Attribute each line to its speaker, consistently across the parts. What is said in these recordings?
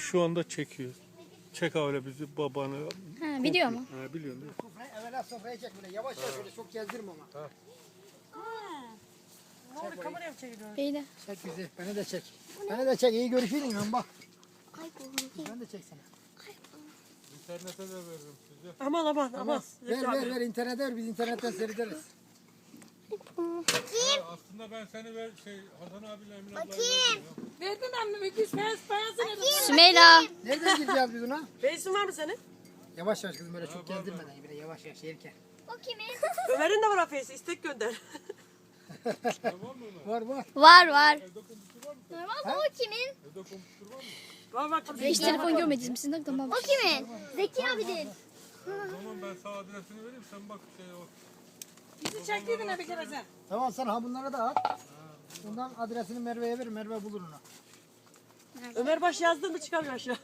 Speaker 1: Şu anda çekiyor. Çek öyle bizi babanı.
Speaker 2: Ha, biliyor mu?
Speaker 1: Ha, biliyorum. Değil mi?
Speaker 3: Evvela sofraya çek böyle yavaş yavaş böyle çok gezdirme ama.
Speaker 4: Kameraya mı çeviriyorsun?
Speaker 2: Beyler.
Speaker 3: Çek bizi. Beni de çek. Beni de çek. İyi görüşelim lan bak. Ben de çeksene.
Speaker 1: İnternete de veririm size.
Speaker 4: Aman aman aman.
Speaker 3: Ver internete ver biz internetten seyrederiz.
Speaker 1: Aslında ben seni Hasan abiyle Emin ablayla verdim ya.
Speaker 4: Verdin anne bir payasın edin.
Speaker 2: Sümeyla.
Speaker 3: Nereden gireceğiz biz ona?
Speaker 4: Beysin var mı senin?
Speaker 3: Yavaş yavaş kızım böyle çok gezdirmeden böyle yavaş yavaş yerken.
Speaker 5: O kimin?
Speaker 4: Ömer'in de var afiyesi. İstek gönder.
Speaker 3: Var var.
Speaker 2: Var var.
Speaker 5: Normal o kimin?
Speaker 4: Var bak.
Speaker 2: Hiç telefon görmediniz mi? Sizin tamam.
Speaker 5: O kimin? Zeki abinin.
Speaker 1: Tamam ben sana adresini vereyim sen bak o.
Speaker 4: Bizi çektiydin ne bir kere sen.
Speaker 3: Tamam sen ha bunları da at. Bundan adresini Merve'ye ver. Merve bulur onu.
Speaker 4: Ömer baş yazdın mı çıkamıyor aşağı.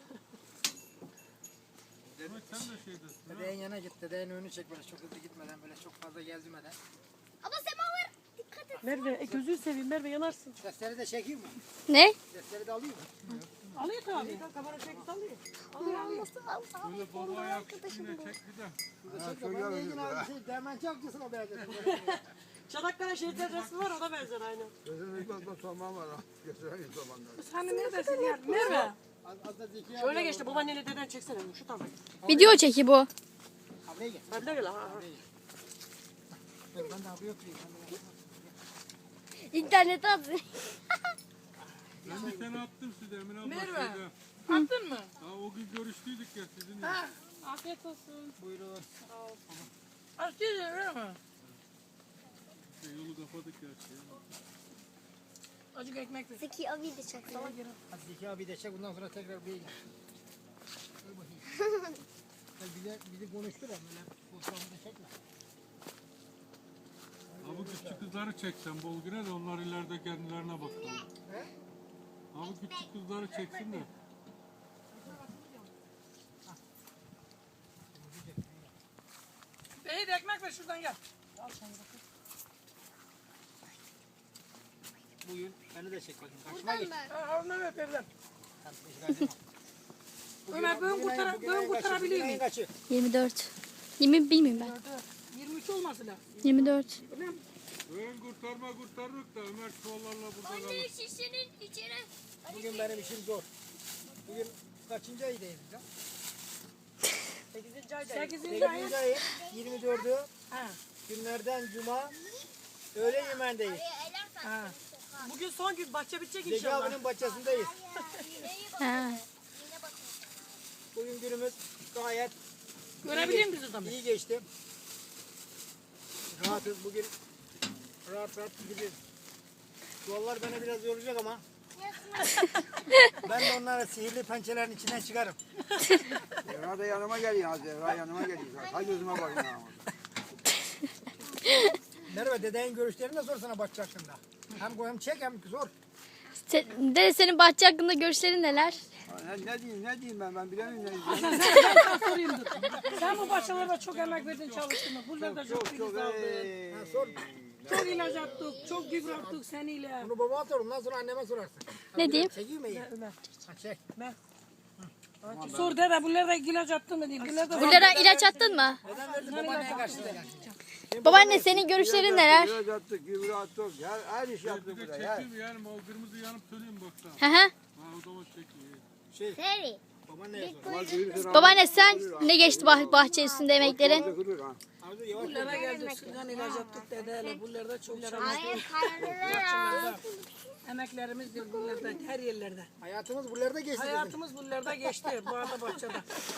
Speaker 1: Demek sen de şeydesin.
Speaker 3: Dedeğin yana git. Dedeğin önünü çek böyle çok hızlı gitmeden böyle çok fazla gezdirmeden.
Speaker 5: Abla semaver. Dikkat et.
Speaker 4: Merve gözünü seveyim Merve yanarsın.
Speaker 3: Sesleri de çekeyim mi?
Speaker 2: Ne?
Speaker 3: Sesleri de alayım mı?
Speaker 4: Alıyor tabii. Kamera çekti alıyor.
Speaker 1: Böyle baba ayak üstüne çek bir de.
Speaker 3: Şurada çek de ben de ilgin abi şey demenci avcısına benzedim.
Speaker 4: Çanakkale şehitler resmi var ona benzer aynen. Sen de neredesin ya? Merve.
Speaker 3: Az da Zeki abi.
Speaker 4: Şöyle geçti babaanneyle deden çeksene şu tarafa.
Speaker 2: Video çeki bu.
Speaker 3: Abiye gel.
Speaker 4: Hadi gel ha.
Speaker 3: Ben de abiye oturayım.
Speaker 2: İnternete at.
Speaker 1: Ben bir tane attım size Emin abla.
Speaker 4: Merve.
Speaker 1: şeyde.
Speaker 4: Attın mı?
Speaker 1: Ha, o gün görüştüydük ya sizin.
Speaker 4: Ha. Afiyet olsun.
Speaker 3: Buyurun.
Speaker 4: Afiyet öyle mi?
Speaker 1: Yolu kapadık ya.
Speaker 4: Acık ekmek de.
Speaker 5: Zeki abi de çak.
Speaker 3: Hadi Zeki abi de çek bundan sonra tekrar bir gel. Dur bakayım. Bizi konuştur ama böyle fotoğrafını da çekme.
Speaker 1: Ha bu küçük kızları çeksen bol güne de onlar ileride kendilerine bakalım. Ha bu küçük kızları çeksin de.
Speaker 4: Bey de ekmek ver şuradan gel.
Speaker 3: Bugün beni de çek bakayım. Karşıma geç.
Speaker 4: Ondan öp evden.
Speaker 3: Tamam, teşekkür ederim.
Speaker 4: Ömer bugün kurtarabiliyor muyum?
Speaker 3: Kaçı?
Speaker 2: 24. 20 bilmiyorum ben.
Speaker 4: 23 olması lazım.
Speaker 2: 24.
Speaker 1: Ön kurtarırık da Ömer çuvallarla burada kalır.
Speaker 5: Şişenin içine.
Speaker 3: Bugün benim işim zor. Bugün kaçıncı aydayız ya?
Speaker 4: 8. ayda. 8.
Speaker 3: 8.
Speaker 4: ayın.
Speaker 3: ayın 24'ü
Speaker 4: Ha.
Speaker 3: günlerden cuma öğle yemeğindeyiz.
Speaker 4: Ha. Bugün son gün bahçe bitecek
Speaker 3: Zeki
Speaker 4: inşallah.
Speaker 3: abinin bahçesindeyiz.
Speaker 2: Ha.
Speaker 3: Bugün günümüz gayet
Speaker 4: Görebilir miyiz o zaman?
Speaker 3: iyi geçti. Rahatız bugün. Rahat gidiyoruz. Yollar beni biraz yoracak ama ben de onlara sihirli pençelerin içinden çıkarım.
Speaker 6: Zehra da yanıma geliyor. Zehra yanıma geliyor. Hay gözüme bakın ha.
Speaker 3: Merve dedeğin görüşlerini de sorsana bahçe hakkında. Hem çek hem sor.
Speaker 2: Dede senin bahçe hakkında görüşlerin neler?
Speaker 6: Ne diyeyim ben bilemiyorum.
Speaker 4: Sorayım dur. Sen bu bahçelerde çok emek verdin çalıştın mı? Buralarda çok filiz aldın.
Speaker 3: Ha, sor.
Speaker 4: Çok ilaç attık, çok gübre attık seninle.
Speaker 3: Bunu babama sor. Ondan sonra anneme sorarsın.
Speaker 2: Ne diyeyim?
Speaker 3: Çekeyim mi iyi?
Speaker 4: Ömer.
Speaker 3: Ha, çek.
Speaker 4: Sor dede bunlarda ilaç attın mı diyeyim. Bunlarda
Speaker 2: Bunlara ilaç attın mı?
Speaker 3: Neden verdin babaanneye karşıda?
Speaker 2: Babaanne senin görüşlerin neler?
Speaker 6: Gübre attık, gübre attık. Her iş
Speaker 1: Bir
Speaker 6: yaptık
Speaker 1: de
Speaker 6: burada.
Speaker 1: çekeyim yani o kırmızı yanıp söneyim baksana.
Speaker 2: Hı hı.
Speaker 1: Ha o zaman çekeyim.
Speaker 5: Seri.
Speaker 3: Babaanneye sor.
Speaker 2: Babaanne sen ne geçti bahçe üstünde emeklerin?
Speaker 3: Arzu yavaş.
Speaker 4: bunlara geldik. Sudan ilaç attık dedeyle. Bunlarda çok çalıştık.
Speaker 5: Hayır hayır.
Speaker 4: Emeklerimizdir bunlarda, her yerlerde.
Speaker 3: Hayatımız buralarda geçti bizim.
Speaker 4: Hayatımız bunlarda geçti. Bu arada bahçede.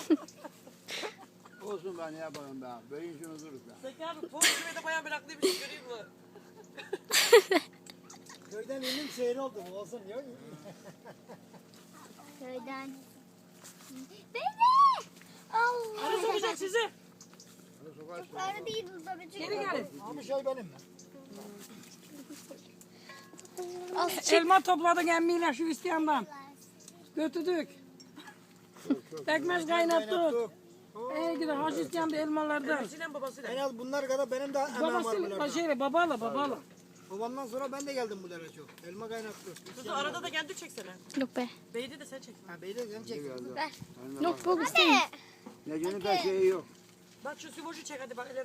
Speaker 6: Olsun ben ne yapalım ben. Böyle işin oluruz ben.
Speaker 4: Zeki abi toz gibi de bayağı meraklıymış. Göreyim mi?
Speaker 3: Köyden ünlü şehir oldu bu olsun diyor.
Speaker 5: Köyden. Bebe. Allah.
Speaker 4: Arı sokacak sizi.
Speaker 5: Arı değil burada bir
Speaker 4: Geri gelin.
Speaker 3: Abi şey benim mi?
Speaker 4: Elma topladık emmiyle şu isteyandan. Götürdük. Pekmez kaynattık. Gidin hacı isteyen de elmalardan.
Speaker 3: En az bunlar kadar benim de emeğim var
Speaker 4: Babası,
Speaker 3: bunlarda.
Speaker 4: babala.
Speaker 3: Babamdan sonra ben de geldim bu dere çok. Elma kaynattı.
Speaker 4: Kuzu arada da geldi çeksene.
Speaker 2: Yok be.
Speaker 4: Beydi de sen çek.
Speaker 3: Ha beyler sen çek.
Speaker 5: Ver.
Speaker 2: Yok bu istemiyor.
Speaker 6: Necinin de şeyi yok.
Speaker 4: Bak şu Simoş'u çek hadi bak.